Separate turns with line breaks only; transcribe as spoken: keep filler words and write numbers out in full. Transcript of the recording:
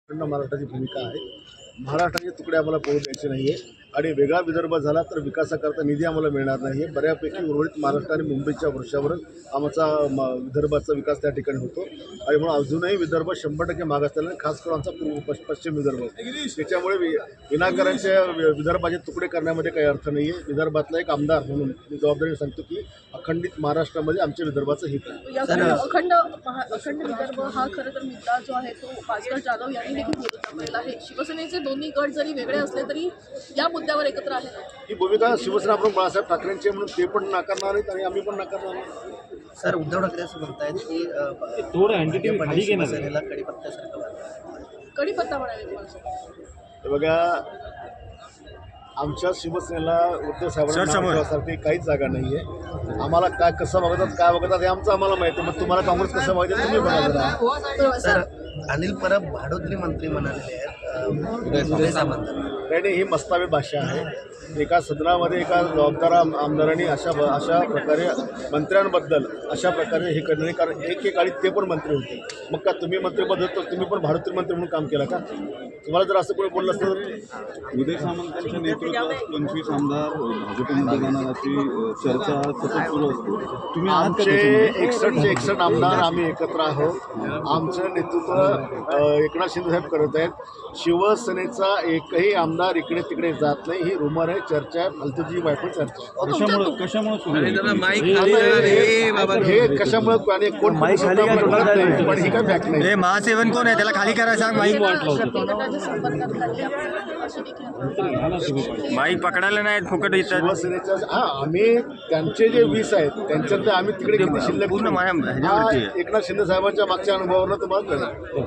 महाराष्ट्राची भूमिका आहे. महाराष्ट्राचे तुकडे आम्हाला पडू द्यायचे नाही आहे आणि वेगळा विदर्भ झाला तर विकासाकरता निधी आम्हाला मिळणार नाही आहे. बऱ्यापैकी उर्वरित महाराष्ट्र आणि मुंबईच्या वर्षावरच आमचा म विदर्भाचा विकास त्या ठिकाणी होतो आणि म्हणून अजूनही विदर्भ शंभर टक्के माग असलेला आहे, खास करून आमचा पूर्व पश पश्चिम विदर्भ. त्याच्यामुळे वि विनाकारांच्या विदर्भाचे तुकडे करण्यामध्ये काही अर्थ नाही आहे. विदर्भातला एक आमदार म्हणून मी जबाबदारीने सांगतो की अखंडित महाराष्ट्रामध्ये आमच्या विदर्भाचं हित आहे.
अखंड अखंड विदर्भ हा खरं तर मुद्दा जो आहे तो भास्कर जाधव यांनी देखील बोलून दाखवलेला आहे. शिवसेनेचे दोन्ही गट जरी वेगळे असले तरी या मुद्द्यावर एकत्र आहेत.
ही भूमिका शिवसेना प्रमुख बाळासाहेब ठाकरेंची म्हणून ते पण नाकारणार नाहीत आणि आम्ही पण नाकारणार नाही.
सर, उद्धव ठाकरे असं म्हणतायत की
थोडं अँटिटी खाली घेणार
शिवसेनेला कडीपत्त्यासारखं वाटतं.
कडीपत्ता म्हणाले तुम्हाला.
हे बघा, आमच्या शिवसेनेला उद्धव साहेबांसाठी काहीच जागा नाही आहे. आम्हाला काय कसं बघतात काय बघतात हे आमचं आम्हाला माहिती आहे. मग तुम्हाला काँग्रेस कसं बघायचं तुम्ही बघा.
सर
अनिल परब भाडोत्री मंत्री म्हणालेले आहेत उदय सामंत.
नाही, ही मस्तावी भाषा आहे. एका सदनामध्ये एका जबाबदार आमदारांनी अशा अशा प्रकारे मंत्र्यांबद्दल अशा प्रकारे हे करणे, कारण एक एक काळी ते पण मंत्री होते. मग का तुम्ही मंत्रीपद तर तुम्ही पण भाडोत्री मंत्री म्हणून काम केलं का? तुम्हाला जर असं कोणी बोललं असतं तर
उदय सामंतांच्या नेतृत्वात पंचवीस आमदार भाजपमध्ये जाणार अशी चर्चा सतत सुरू असते. तुम्ही
आमचे एकसष्टचे एकसष्ट आमदार आम्ही एकत्र आहोत. आमचं नेतृत्व एकनाथ शिंदे साहेब करत आहेत. शिवसेनेचा एकही आमदार इकडे तिकडे जात नाही. ही रुमर आहे, चर्चा आहे, फालतूची वायफळ चर्चा आहे.
कशामुळे कशामुळे सुरू आहे?
हे कशामुळे आणि कोण पण ही काय फॅक्ट नाही.
महासेवन कोण आहे त्याला खाली करायला सांग. माईक
गटाच्या संपर्कात खाली आपण अशी देखील
माईक पकडायला नाहीत फुकट येतात.
शिवसेनेच्या हा आम्ही त्यांचे जे वीस आहेत त्यांच्यातले आम्ही तिकडे किती शिल्लक
पूर्ण माया
एकनाथ शिंदे साहेबांच्या मागच्या अनुभवावरून तुम्हाला कळलं.